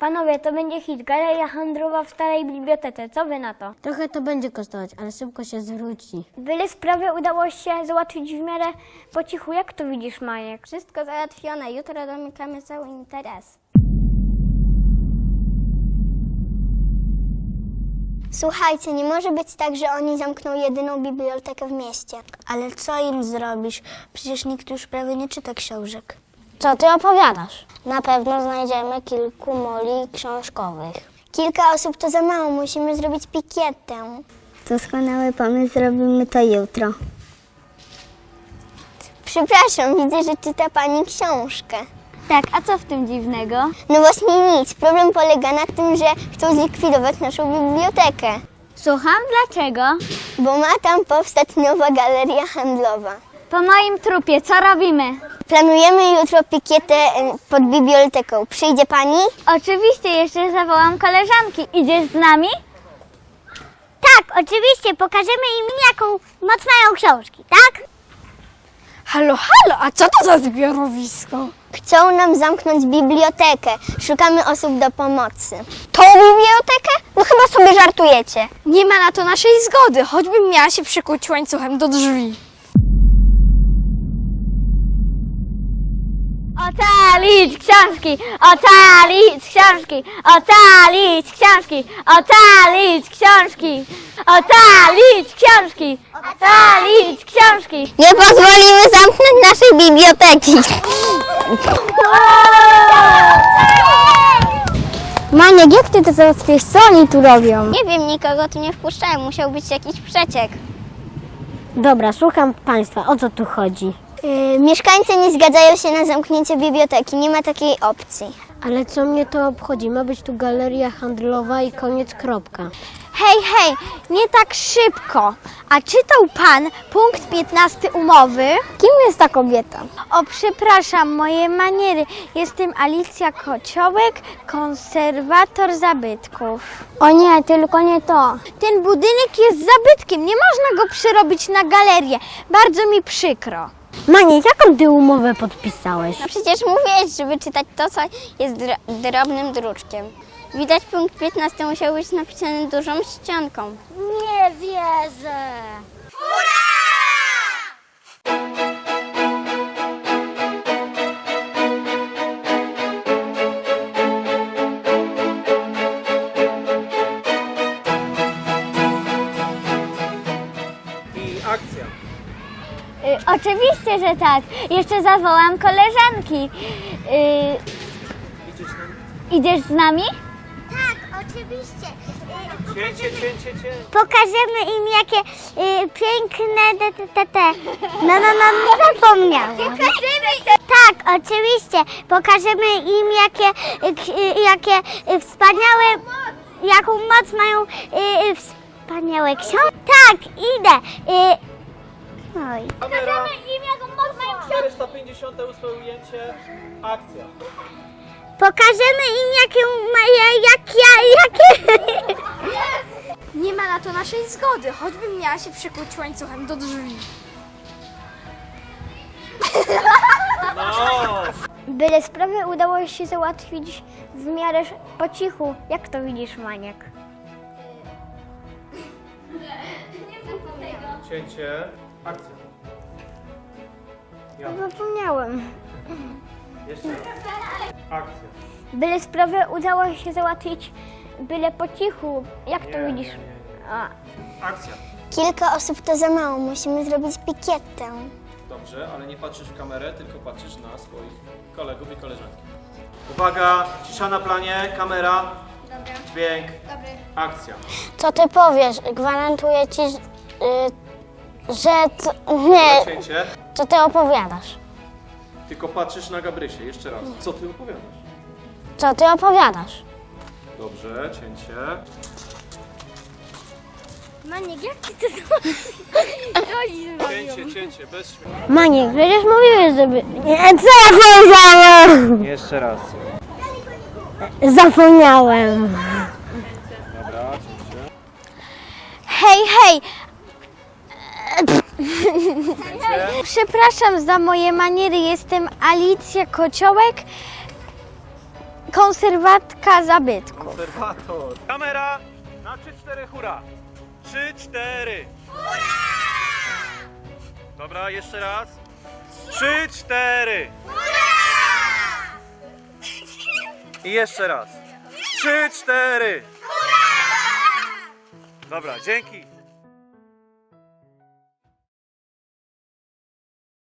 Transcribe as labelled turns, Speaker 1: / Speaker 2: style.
Speaker 1: Panowie, to będzie hit. Galeria handlowa w starej bibliotece. Co wy na to?
Speaker 2: Trochę to będzie kosztować, ale szybko się zwróci.
Speaker 1: Byle sprawę udało się załatwić w miarę po cichu. Jak to widzisz, Majek?
Speaker 3: Wszystko załatwione. Jutro domykamy cały interes. Słuchajcie, nie może być tak, że oni zamkną jedyną bibliotekę w mieście. Ale co im zrobisz? Przecież nikt już prawie nie czyta książek.
Speaker 2: Co ty opowiadasz? Na pewno znajdziemy kilku moli książkowych.
Speaker 3: Kilka osób to za mało, musimy zrobić pikietę. Doskonały pomysł, zrobimy to jutro. Przepraszam, widzę, że czyta pani książkę.
Speaker 1: Tak, a co w tym dziwnego?
Speaker 3: No właśnie nic. Problem polega na tym, że chcą zlikwidować naszą bibliotekę,
Speaker 1: Słucham, dlaczego?
Speaker 3: bo ma tam powstać nowa galeria handlowa.
Speaker 1: Po moim trupie, co robimy?
Speaker 3: Planujemy jutro pikietę pod biblioteką. Przyjdzie pani?
Speaker 1: Oczywiście, jeszcze zawołam koleżanki. Idziesz z nami?
Speaker 3: Tak, oczywiście. Pokażemy im, jaką moc mają książki, tak?
Speaker 2: Halo, a co to za zbiorowisko?
Speaker 3: Chcą nam zamknąć bibliotekę. Szukamy osób do pomocy.
Speaker 2: Tą bibliotekę? No chyba sobie żartujecie. Nie ma na to naszej zgody, choćbym miała się przykuć łańcuchem do drzwi.
Speaker 1: Ocalić książki! Ocalić książki! Ocalić książki! Ocalić książki! Ocalić książki! Ocalić książki!
Speaker 3: Nie pozwolimy zamknąć naszej biblioteki.
Speaker 2: Maniek, jak ty to załatwisz? Co oni tu robią?
Speaker 3: Nie wiem, nikogo tu nie wpuszczają. Musiał być jakiś przeciek.
Speaker 2: Dobra, słucham państwa, o co tu chodzi?
Speaker 3: Mieszkańcy nie zgadzają się na zamknięcie biblioteki. Nie ma takiej opcji.
Speaker 2: Ale co mnie to obchodzi? Ma być tu galeria handlowa i koniec, kropka.
Speaker 4: Hej, nie tak szybko. A czytał pan punkt 15 umowy?
Speaker 2: Kim jest ta kobieta?
Speaker 4: O, przepraszam, moje maniery. Jestem Alicja Kociołek, konserwator zabytków.
Speaker 2: O nie, tylko nie to.
Speaker 4: Ten budynek jest zabytkiem, nie można go przerobić na galerię. Bardzo mi przykro.
Speaker 2: Maniek, jaką ty umowę podpisałeś?
Speaker 3: No przecież mówiłeś, żeby czytać to, co jest drobnym druczkiem. Widać, punkt 15 musiał być napisany dużą ścianką.
Speaker 1: Nie wierzę!
Speaker 5: I akcja.
Speaker 1: Oczywiście, że tak. Jeszcze zawołam koleżanki.
Speaker 5: Idziesz tam?
Speaker 1: Idziesz z nami?
Speaker 3: Tak, oczywiście.
Speaker 5: Cięcie.
Speaker 3: Pokażemy im, jakie piękne No, zapomniałam. Tak, oczywiście. Pokażemy im, jakie wspaniałe, jaką moc mają wspaniałe książki. Tak, idę. Oj.
Speaker 5: Kamera.
Speaker 1: im, jaką moc mają
Speaker 5: 458 ujęcie. Akcja.
Speaker 3: Pokażemy im, jakie...
Speaker 4: Nie ma na to naszej zgody, choćbym miała się przykuć łańcuchem do drzwi.
Speaker 5: No.
Speaker 1: Byle sprawę udało się załatwić w miarę po cichu. Jak to widzisz, Maniek?
Speaker 5: Cięcie. Akcja. Ja.
Speaker 1: Zapomniałem.
Speaker 5: Jeszcze raz. Akcja.
Speaker 1: Byle sprawę udało się załatwić byle po cichu. Jak to widzisz? A.
Speaker 5: Akcja.
Speaker 3: Kilka osób to za mało. Musimy zrobić pikietę.
Speaker 5: Dobrze, ale nie patrzysz w kamerę, tylko patrzysz na swoich kolegów i koleżanki. Uwaga, cisza na planie, kamera. Dobra. Dźwięk. Dobry. Akcja.
Speaker 2: Co ty powiesz? Gwarantuję ci, że... Nie,
Speaker 5: Cięcie.
Speaker 2: co ty opowiadasz?
Speaker 5: Tylko patrzysz na Gabrysię. Jeszcze raz. Co ty opowiadasz?
Speaker 2: Co ty opowiadasz?
Speaker 5: Dobrze, cięcie.
Speaker 1: Maniek, jak ty to
Speaker 5: Cięcie, bez śmiechu.
Speaker 2: Maniek, przecież mówiłeś, żeby... Nie, co ja powiedziałem?
Speaker 5: Jeszcze raz.
Speaker 2: Zapomniałem.
Speaker 5: Dobra, cięcie.
Speaker 4: Hej,
Speaker 5: Cięcie.
Speaker 4: przepraszam za moje maniery. Jestem Alicja Kociołek, konserwatka zabytków.
Speaker 5: Konserwator. Kamera na 3-4 hura. 3-4. Hurra! Dobra, jeszcze raz. 3-4. Hurra! I jeszcze raz. 3-4. Hurra! Dobra, dzięki.